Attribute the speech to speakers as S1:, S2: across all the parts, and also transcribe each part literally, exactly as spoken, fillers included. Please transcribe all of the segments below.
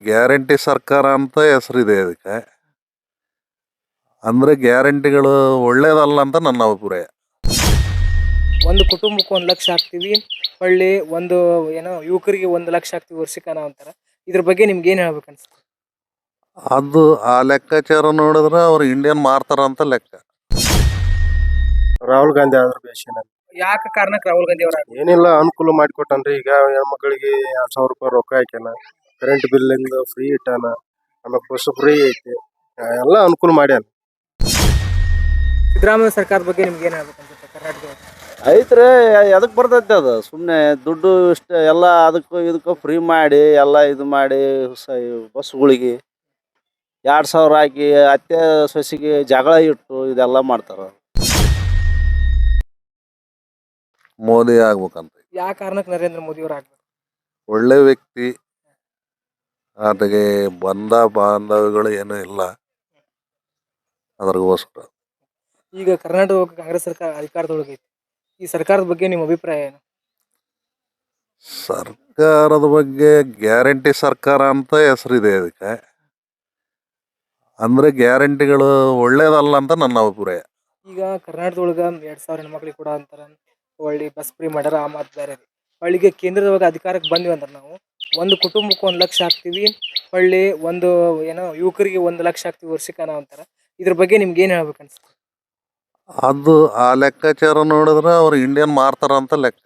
S1: Guarantee ಸರ್ಕಾರ ಅಂತ ಹೆಸರಿದೆ ಅದಕ್ಕೆ. ಅಂದರೆ ಗ್ಯಾರಂಟಿಗಳು ಒಳ್ಳೇದಲ್ಲ ಅಂತ ನನ್ನ ಅಭಿಪ್ರಾಯ.
S2: ಒಂದು ಕುಟುಂಬಕ್ಕೆ ಒಂದು ಲಕ್ಷ ಹಾಕ್ತೀವಿ, ಹೊಳ್ಳಿ ಒಂದು ಏನೋ ಯುವಕರಿಗೆ ಒಂದು ಲಕ್ಷ ಹಾಕ್ತೀವಿ ವರ್ಷಕ್ಕೆ ಅನ್ನೋ ಅಂತಾರ. ಇದ್ರ ಬಗ್ಗೆ ನಿಮ್ಗೆ ಏನು ಹೇಳ್ಬೇಕು ಅನ್ಸುತ್ತೆ?
S1: ಅದು ಆ ಲೆಕ್ಕಾಚಾರ ನೋಡಿದ್ರೆ ಅವ್ರು ಇಂಡಿಯನ್ ಮಾರ್ತಾರ ಅಂತ ಲೆಕ್ಕ.
S3: ರಾಹುಲ್ ಗಾಂಧಿ ಆದ್ರ ಬೇಷನ.
S2: ಯಾಕೆ ಕಾರಣಕ್ಕೆ ರಾಹುಲ್ ಗಾಂಧಿ ಅವರ
S3: ಏನಿಲ್ಲ ಅನುಕೂಲ ಮಾಡಿಕೊಟ್ಟನ್ರಿ. ಈಗ ಹೆಣ್ಮಕ್ಳಿಗೆ ಎರಡ್ ಸಾವಿರ ರೂಪಾಯಿ ರೊಕ್ಕ ಹಾಕ್ಯಾನ, ಕರೆಂಟ್ ಬಿಲ್ಲಿಂದ ಫ್ರೀ ಇಟ್ಟಾನ, ಆಮೇಲೆ ಬಸ್ ಫ್ರೀ ಐತಿ, ಎಲ್ಲ ಅನುಕೂಲ ಮಾಡ್ಯಾನ.
S2: ಸಿದ್ದರಾಮಯ್ಯ ಸರ್ಕಾರದ ಬಗ್ಗೆ ನಿಮ್ಗೆ ಏನು ಹೇಳ್ಬೇಕು ಅನ್ಸುತ್ತೆ ಕರ್ನಾಟಕದ?
S4: ಐತ್ರಿ, ಎದಕ್ಕೆ ಬರ್ತೈತೆ ಅದು? ಸುಮ್ಮನೆ ದುಡ್ಡು ಇಷ್ಟ ಎಲ್ಲ ಅದಕ್ಕೂ ಇದಕ್ಕೂ ಫ್ರೀ ಮಾಡಿ ಎಲ್ಲ ಇದು ಮಾಡಿ ಸ ಬಸ್ಗಳಿಗೆ ಎರಡು ಸಾವಿರ ಹಾಕಿ ಅತ್ತೆ ಸೊಸೆಗೆ ಜಗಳ ಇಟ್ಟು ಇದೆಲ್ಲ ಮಾಡ್ತಾರೆ.
S1: ಮೋದಿ ಆಗ್ಬೇಕಂತ.
S2: ಯಾವ ಕಾರಣಕ್ಕೆ ನರೇಂದ್ರ ಮೋದಿ ಅವರು ಆಗ್ಬೇಕು?
S1: ಒಳ್ಳೆ ವ್ಯಕ್ತಿ, ಆತಗೆ ಬಂಧ ಬಾಂಧವ್ಯಗಳು ಏನೂ ಇಲ್ಲ, ಅದ್ರಗೋಸ್ಕರ.
S2: ಈಗ ಕರ್ನಾಟಕ ಕಾಂಗ್ರೆಸ್ ಸರ್ಕಾರ ಅಧಿಕಾರದೊಳಗೈತಿ. ಈ ಸರ್ಕಾರದ ಬಗ್ಗೆ ನಿಮ್ಮ ಅಭಿಪ್ರಾಯ ಏನು?
S1: ಸರ್ಕಾರದ ಬಗ್ಗೆ ಗ್ಯಾರಂಟಿ ಸರ್ಕಾರ ಅಂತ ಹೆಸರಿದೆ ಅದಕ್ಕೆ. ಅಂದರೆ ಗ್ಯಾರಂಟಿಗಳು ಒಳ್ಳೇದಲ್ಲ ಅಂತ ನನ್ನ ಅಭಿಪ್ರಾಯ.
S2: ಈಗ ಕರ್ನಾಟಕದೊಳಗೆ ಎರಡು ಸಾವಿರ ಹೆಣ್ಮಕ್ಳಿಗೆ ಕೂಡ ಅಂತಾರೆ, ಒಳ್ಳೆ ಬಸ್ ಫ್ರೀ ಮಾಡ್ಯಾರ. ಆ ಮಾತು ಬೇರೆ ರೀ. ಒಳ್ಳಿಗೆ ಕೇಂದ್ರದೊಳಗೆ ಅಧಿಕಾರಕ್ಕೆ ಬಂದ್ವಿ ಅಂದ್ರೆ ನಾವು ಒಂದು ಕುಟುಂಬಕ್ಕೆ ಒಂದು ಲಕ್ಷ ಹಾಕ್ತೀವಿ, ಹೊಳ್ಳಿ ಒಂದು ಏನೋ ಯುವಕರಿಗೆ ಒಂದು ಲಕ್ಷ ಹಾಕ್ತೀವಿ ವರ್ಷಕ್ಕೆ ಅನ್ನೋ ಅಂತಾರೆ. ಇದ್ರ ಬಗ್ಗೆ ನಿಮ್ಗೆ ಏನು ಹೇಳ್ಬೇಕು ಅನ್ಸುತ್ತೆ?
S1: ಅದು ಆ ಲೆಕ್ಕಾಚಾರ ನೋಡಿದ್ರೆ ಅವ್ರು ಇಂಡಿಯನ್ ಮಾರ್ತಾರ ಅಂತ ಲೆಕ್ಕ.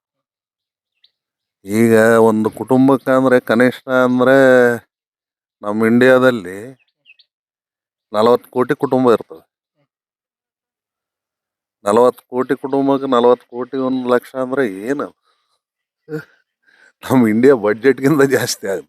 S1: ಈಗ ಒಂದು ಕುಟುಂಬಕ್ಕೆ ಅಂದರೆ ಕನಿಷ್ಠ ಅಂದರೆ ನಮ್ಮ ಇಂಡಿಯಾದಲ್ಲಿ ನಲವತ್ತು ಕೋಟಿ ಕುಟುಂಬ ಇರ್ತವೆ. ನಲವತ್ತು ಕೋಟಿ ಕುಟುಂಬಕ್ಕೆ ನಲವತ್ತು ಕೋಟಿ ಒಂದು ಲಕ್ಷ ಅಂದರೆ ಏನು? ನಮ್ಮ ಇಂಡಿಯಾ ಬಡ್ಜೆಟ್ಗಿಂತ ಜಾಸ್ತಿ ಆಗುತ್ತೆ.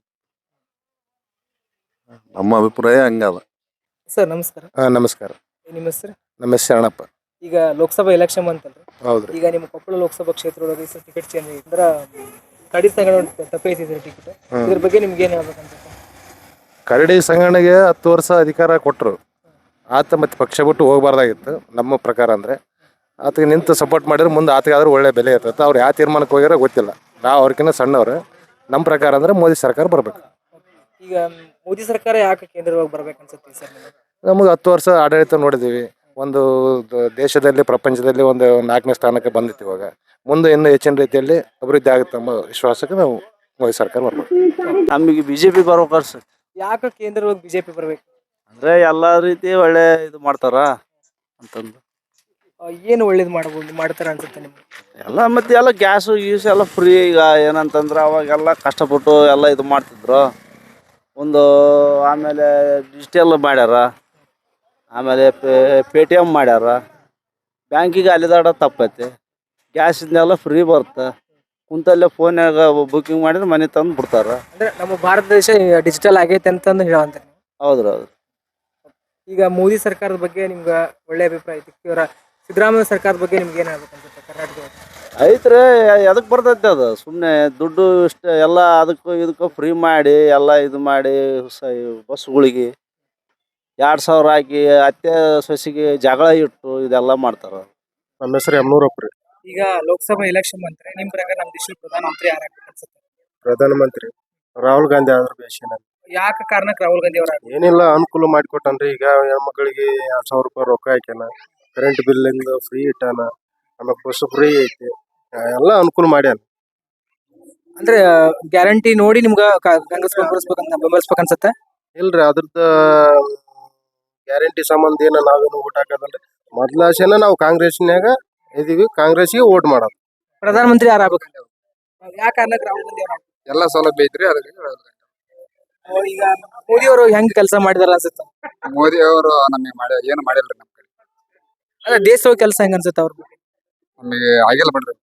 S1: ನಮ್ಮ ಅಭಿಪ್ರಾಯ ಹಂಗದ.
S2: ಸರ್ ನಮಸ್ಕಾರ.
S3: ಹಾ ನಮಸ್ಕಾರ.
S2: ನಿಮ್ಮ ಹೆಸರು?
S3: ನಮ್ಮ ಹೆಸರು ಶರಣಪ್ಪ.
S2: ಈಗ ಲೋಕಸಭಾ ಎಲೆಕ್ಷನ್ ಬಂತಲ್ರಿ.
S3: ಹೌದ್ರಿ.
S2: ಈಗ ನಿಮ್ಮ ಕೊಪ್ಪಳ ಲೋಕಸಭಾ ಕ್ಷೇತ್ರದೊಳಗೆ ಟಿಕೆಟ್ ಚೇಂಜ್ ಆಗಿ ಅಂದ್ರೆ ಕಡಿ ಸಂಘಟನೆ ತಪ್ಪೈತಿದ್ರಿ ಟಿಕೆಟ್. ಇದ್ರ ಬಗ್ಗೆ ನಿಮ್ಗೆ ಏನು ಹೇಳ್ಬೇಕು ಅನ್ಸುತ್ತೆ?
S3: ಕರಡಿ ಸಂಘಟನೆಗೆ ಹತ್ತು ವರ್ಷ ಅಧಿಕಾರ ಕೊಟ್ಟರು. ಆತ ಮತ್ತೆ ಪಕ್ಷ ಬಿಟ್ಟು ಹೋಗಬಾರ್ದಾಗಿತ್ತು ನಮ್ಮ ಪ್ರಕಾರ. ಅಂದರೆ ಆತಗೆ ನಿಂತು ಸಪೋರ್ಟ್ ಮಾಡಿದ್ರೆ ಮುಂದೆ ಆತಗಾದ್ರೂ ಒಳ್ಳೆ ಬೆಲೆ ಇರ್ತೈತೆ. ಅವ್ರು ಯಾವ ತೀರ್ಮಾನಕ್ಕೆ ಹೋಗ್ಯಾರೋ ಗೊತ್ತಿಲ್ಲ. ನಾವು ಅವ್ರಿಗಿಂತ ಸಣ್ಣವ್ರು. ನಮ್ಮ ಪ್ರಕಾರ ಅಂದರೆ ಮೋದಿ ಸರ್ಕಾರ ಬರ್ಬೇಕು.
S2: ಈಗ ಮೋದಿ ಸರ್ಕಾರ ಯಾಕೆ ಕೇಂದ್ರವಾಗಿ ಬರ್ಬೇಕು ಅನ್ಸುತ್ತೆ ಸರ್ ನಿಮಗೆ?
S3: ನಮಗೆ ಹತ್ತು ವರ್ಷ ಆಡಳಿತ ನೋಡಿದ್ದೀವಿ. ಒಂದು ದ- ದೇಶದಲ್ಲಿ ಪ್ರಪಂಚದಲ್ಲಿ ಒಂದು ನಾಲ್ಕನೇ ಸ್ಥಾನಕ್ಕೆ ಬಂದಿತ್ತು. ಇವಾಗ ಮುಂದೆ ಇನ್ನೂ ಹೆಚ್ಚಿನ ರೀತಿಯಲ್ಲಿ ಅಭಿವೃದ್ಧಿ ಆಗುತ್ತೆ ಎಂಬ ವಿಶ್ವಾಸಕ್ಕೆ ನಾವು ಮೋದಿ ಸರ್ಕಾರ ಬರ್ಬೇಕು.
S4: ನಮಗೆ ಬಿ ಜೆ ಪಿ ಬರ್ಬೇಕಾರೆ ಸರ್,
S2: ಯಾಕೆ ಕೇಂದ್ರವಾಗಿ ಬಿಜೆಪಿ ಬರ್ಬೇಕು?
S4: ಅಂದರೆ ಎಲ್ಲ ರೀತಿ ಒಳ್ಳೆ ಇದು ಮಾಡ್ತಾರ ಅಂತಂದು
S2: ಆ, ಏನು ಒಳ್ಳೇದು ಮಾಡಬಹುದು ಮಾಡ್ತಾರೆ ಅನ್ಸುತ್ತೆ ನಿಮ್ಗೆ?
S4: ಎಲ್ಲ ಮತ್ತು ಎಲ್ಲ ಗ್ಯಾಸು ಗೀಸು ಎಲ್ಲ ಫ್ರೀ. ಈಗ ಏನಂತಂದ್ರೆ ಅವಾಗೆಲ್ಲ ಕಷ್ಟಪಟ್ಟು ಎಲ್ಲ ಇದು ಮಾಡ್ತಿದ್ರು. ಒಂದು ಆಮೇಲೆ ಡಿಜಿಟಲ್ ಮಾಡ್ಯಾರ, ಆಮೇಲೆ ಪೇ ಟಿ ಎಮ್ ಮಾಡ್ಯಾರ. ಬ್ಯಾಂಕಿಗೆ ಅಲಿದಾಡ ತಪ್ಪೈತಿ. ಗ್ಯಾಸಿಂದೆಲ್ಲ ಫ್ರೀ ಬರುತ್ತೆ. ಕುಂತಲ್ಲೇ ಫೋನ್ಯಾಗ ಬುಕ್ಕಿಂಗ್ ಮಾಡಿದ್ರೆ ಮನೆ ತಂದು ಬಿಡ್ತಾರೆ.
S2: ಅಂದ್ರೆ ನಮ್ಮ ಭಾರತ ದೇಶ ಡಿಜಿಟಲ್ ಆಗೈತೆ ಅಂತಂದು ಹೇಳಂತಾರೆ.
S4: ಹೌದ್ರಿ ಹೌದು.
S2: ಈಗ ಮೋದಿ ಸರ್ಕಾರದ ಬಗ್ಗೆ ನಿಮ್ಗೆ ಒಳ್ಳೆ ಅಭಿಪ್ರಾಯ ಐತಿ. ಇವರ ಸಿದ್ದರಾಮಯ್ಯ ಸರ್ಕಾರದ ಬಗ್ಗೆ ನಿಮ್ಗೆ ಏನು ಹೇಳ್ಬೇಕು ಅನ್ಸುತ್ತೆ ಕರ್ನಾಟಕದ?
S4: ಐತ್ರಿ, ಎದಕ್ಕೆ ಬರ್ತೈತೆ ಅದು? ಸುಮ್ಮನೆ ದುಡ್ಡು ಇಷ್ಟ ಎಲ್ಲ ಅದಕ್ಕೂ ಇದಕ್ಕೂ ಫ್ರೀ ಮಾಡಿ ಎಲ್ಲ ಇದು ಮಾಡಿ ಸ ಬಸ್ಗಳಿಗೆ ಎರಡು ಸಾವಿರ ಹಾಕಿ ಅತ್ತೆ ಸೊಸೆಗೆ ಜಗಳ ಇಟ್ಟು ಇದೆಲ್ಲ ಮಾಡ್ತಾರೆ.
S3: ನಮ್ಮ ಹೆಸರು ಯಮನೂರಪ್ಪ ರೀ.
S2: ಈಗ ಲೋಕಸಭಾ ಎಲೆಕ್ಷನ್ ಬಂದ್ರೆ ನಿಮ್ ಪ್ರಕಾರ ನಮ್ಮ ದೇಶದ ಪ್ರಧಾನಮಂತ್ರಿ ಯಾರಾಗ್ಬೇಕು ಅನ್ಸುತ್ತೆ?
S3: ಪ್ರಧಾನಮಂತ್ರಿ ರಾಹುಲ್ ಗಾಂಧಿ ಆದ್ರ ಬೇಷನ.
S2: ಯಾಕೆ ಕಾರಣಕ್ಕೆ ರಾಹುಲ್ ಗಾಂಧಿ ಅವರ
S3: ಏನಿಲ್ಲ ಅನುಕೂಲ ಮಾಡಿಕೊಟ್ಟನ್ರಿ. ಈಗ ಹೆಣ್ಮಕ್ಳಿಗೆ ಎರಡ್ ಸಾವಿರ ರೂಪಾಯಿ ರೊಕ್ಕ ಹಾಕ್ಯಾನ, ಕರೆಂಟ್ ಬಿಲ್ಲಿಂದ ಫ್ರೀ ಇಟ್ಟಾನ, ಆಮೇಲೆ ಬಸ್ ಫ್ರೀ ಐತಿ, ಎಲ್ಲ ಅನುಕೂಲ ಮಾಡ್ಯಾನ.
S2: ಅಂದ್ರೆ ಗ್ಯಾರಂಟಿ ನೋಡಿ ನಿಮ್ಗ ಕಾ- ಕಾಂಗ್ರೆಸ್ ಬೆಂಬಲಿಸ್ಬೇಕಂತ ಬೆಂಬಲಿಸ್ಬೇಕು ಅನ್ಸುತ್ತೆ?
S3: ಇಲ್ರಿ, ಅದ್ರದ್ದು ಗ್ಯಾರಂಟಿ ಸಂಬಂಧ ಏನ ನಾವೇನು ಓಟ್ ಹಾಕೋದಲ್ರಿ. ಮೊದ್ಲ ಆಸೆನ ನಾವು ಕಾಂಗ್ರೆಸ್ನ್ಯಾಗ ಇದೀವಿ, ಕಾಂಗ್ರೆಸ್ಗೆ ಓಟ್ ಮಾಡೋದು.
S2: ಪ್ರಧಾನಮಂತ್ರಿ ಯಾರು ಆಗ್ಬೇಕು? ಯಾವ ಕಾರಣಕ್ಕೆ ರಾಹುಲ್ ಗಾಂಧಿ ಅವರು?
S3: ಎಲ್ಲ ಸೌಲಭ್ಯ ಐತ್ರಿ. ಅದಕ್ಕೆ
S2: ಈಗ ಮೋದಿ ಅವರು ಹೆಂಗ್ ಕೆಲಸ ಮಾಡಿದಾರ ಅನ್ಸುತ್ತೆ?
S5: ಮೋದಿ ಅವರು ನಮಗೆ ಮಾಡಿ ಏನು ಮಾಡಿಲ್ರಿ. ನಮ್ಮ ಕಡೆ
S2: ಅದೇ ದೇಶದ ಕೆಲಸ ಹೆಂಗ್ ಅನ್ಸುತ್ತೆ ಅವ್ರ ಬಗ್ಗೆ?
S5: ನಮಗೆ ಆಗಿಲ್ಲ ಬಿಡ್ರಿ.